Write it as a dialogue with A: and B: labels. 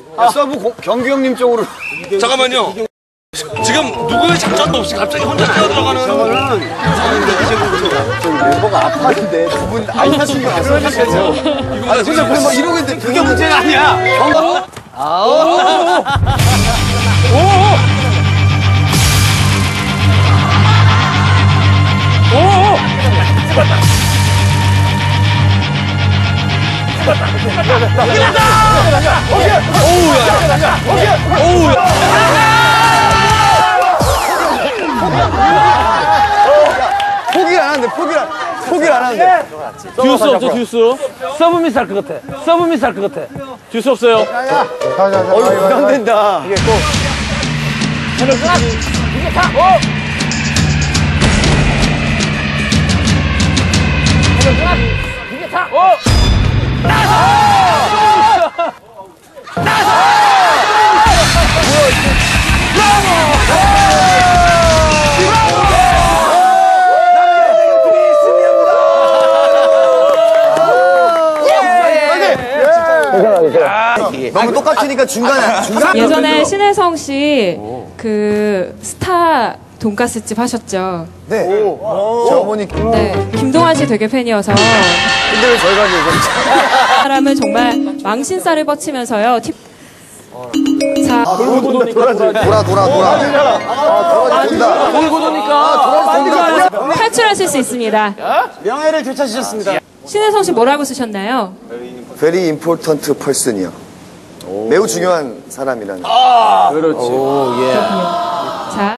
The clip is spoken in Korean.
A: 서브 경규 형님 쪽으로.
B: 잠깐만요. 지금 누구의 작전도 없이 갑자기 혼자 뛰어들어가는.
A: 멤버가 아파하는데 두 분 안 타신 거 아시죠? 아, 진짜 막 이러고 있는데 그게 문제가 아니야. 포기를 안 하는데.
C: 듀스 없죠, 듀스? 서브 미스 할 것 같아. 서브 미스 할 것 같아. 듀스 없어요.
A: 부담된다. 이게 또.
C: 이게 다! 이게 다!
A: 너무 똑같으니까 중간에.
D: 예전에 신혜성 씨 그 스타 돈가스집 하셨죠?
A: 네. 저 어머니.
D: 네. 김동완 씨 되게 팬이어서
A: 근데 왜 저희가 이제
D: 사람은 정말 망신살을 뻗치면서요. 자,
C: 돌고 도니까
A: 돌아. 돌아준다.
C: 돌고 도니까
D: 탈출하실 수 있습니다.
A: 명예를 되찾으셨습니다.
D: 신혜성 씨 뭐라고 쓰셨나요?
A: Very important person이요. 매우 중요한 사람이라는.
C: 그렇지. 오, 예.